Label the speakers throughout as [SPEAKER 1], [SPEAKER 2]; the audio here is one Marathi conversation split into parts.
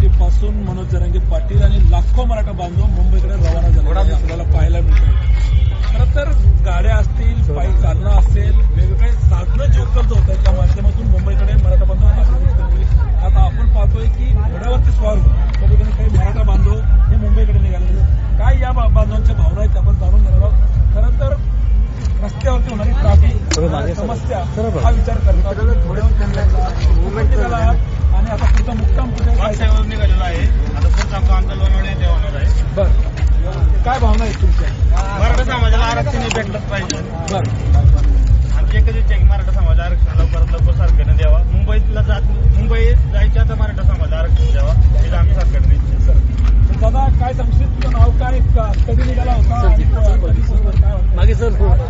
[SPEAKER 1] पासून मनोज जरांगे पाटील आणि लाखो मराठा बांधव मुंबईकडे रवाना झाले आपल्याला पाहायला मिळत. खरं तर गाड्या असतील, पायी चालणं असेल, वेगवेगळे साधनं जे उपलब्ध होत आहेत त्या माध्यमातून मुंबईकडे मराठा बांधव आता आपण पाहतोय की घोड्यावरती स्वार होऊन त्या ठिकाणी काही मराठा बांधव हे मुंबईकडे निघालेले. काय या बांधवांच्या भावना आहेत आपण जाणून घेणार आहोत. खरं तर रस्त्यावरती होणारी ट्रॅफिक समस्या हा विचार करतात मुंबईत निघाला आहात आणि आता पुढचा मुक्काम कुठे
[SPEAKER 2] निघालेला आहे. आता पुढचा आमचा लोणावळा येथे होणार आहे.
[SPEAKER 1] बरं, काय भावना आहेत तुमच्या?
[SPEAKER 2] मराठा समाजाला आरक्षण भेटलंच पाहिजे.
[SPEAKER 1] बरं,
[SPEAKER 2] आमची एकच इच्छा आहे की मराठा समाज आरक्षण लवकर सरकारने द्यावा. मुंबईत जायच्या तर मराठा समाज आरक्षण द्यावा हे आमची सरकारने इच्छा आहे.
[SPEAKER 1] दादा काय सांगशील, तुझं नाव काय, कधी निघाला होता आणि कधी सोबत काय होतं?
[SPEAKER 3] मागे सर
[SPEAKER 1] बरं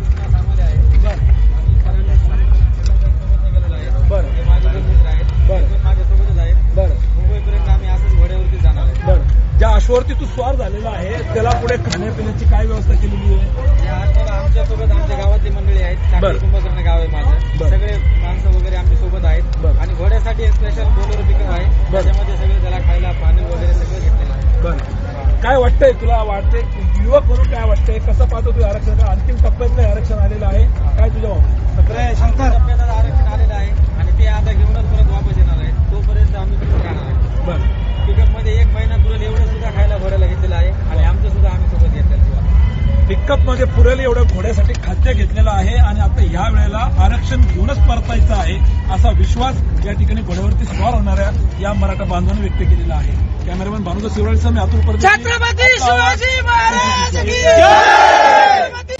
[SPEAKER 1] बरं
[SPEAKER 4] माझ्यासोबतच आहेत.
[SPEAKER 1] बरं
[SPEAKER 4] मुंबईपर्यंत आम्ही असंच घोड्यावरती जाणार आहे.
[SPEAKER 1] बरं, ज्या अश्वावरती तू स्वार झालेला आहे त्याला पुढे खाण्यापिण्याची काय व्यवस्था केलेली आहे?
[SPEAKER 4] या आठवड्यात आमच्यासोबत आमच्या गावातली मंडळी आहेत.
[SPEAKER 1] बरं.
[SPEAKER 4] कुंभकर्ण गाव आहे माझं.
[SPEAKER 1] बरं.
[SPEAKER 4] सगळे माणसं वगैरे आमच्या सोबत आहेत.
[SPEAKER 1] बरं.
[SPEAKER 4] आणि घोड्यासाठी एक स्पेशल बोलेरो पिकअप आहे. त्याच्यामध्ये सगळे त्याला खायला पाणी वगैरे सगळं घेतलेलं आहे.
[SPEAKER 1] बरं, काय वाटतंय तुला? वाटतंय युवक म्हणून काय वाटतंय? कसं पाहतो तुझं आरक्षण? अंतिम टप्प्यातलं आरक्षण आलेलं आहे, काय तुझ्या
[SPEAKER 4] टप्प्यात आरक्षण आलेलं आहे आणि ते आता घेऊनच परत वापस येणार आहे. तोपर्यंत आम्ही तिथे राहणार आहे.
[SPEAKER 1] बरं,
[SPEAKER 4] पिकअप मध्ये 1 महिना पुरेल एवढं सुद्धा खायला घोड्याला घेतलेलं आहे आणि आमचं सुद्धा आम्ही सोबत घेतलेलं.
[SPEAKER 1] पिकअप मध्ये पुरेल एवढं घोड्यासाठी खाद्य घेतलेलं आहे आणि आता ह्या वेळेला आरक्षण घेऊनच परतायचं आहे असा विश्वास या ठिकाणी घोड्यावरती स्वार होणाऱ्या या मराठा बांधवांनी व्यक्त केलेला आहे. कॅमेरामॅन भानुदा शिवराळीसह मी अतुल परदेशी.
[SPEAKER 3] छत्रपती शिवाजी महाराज की जय.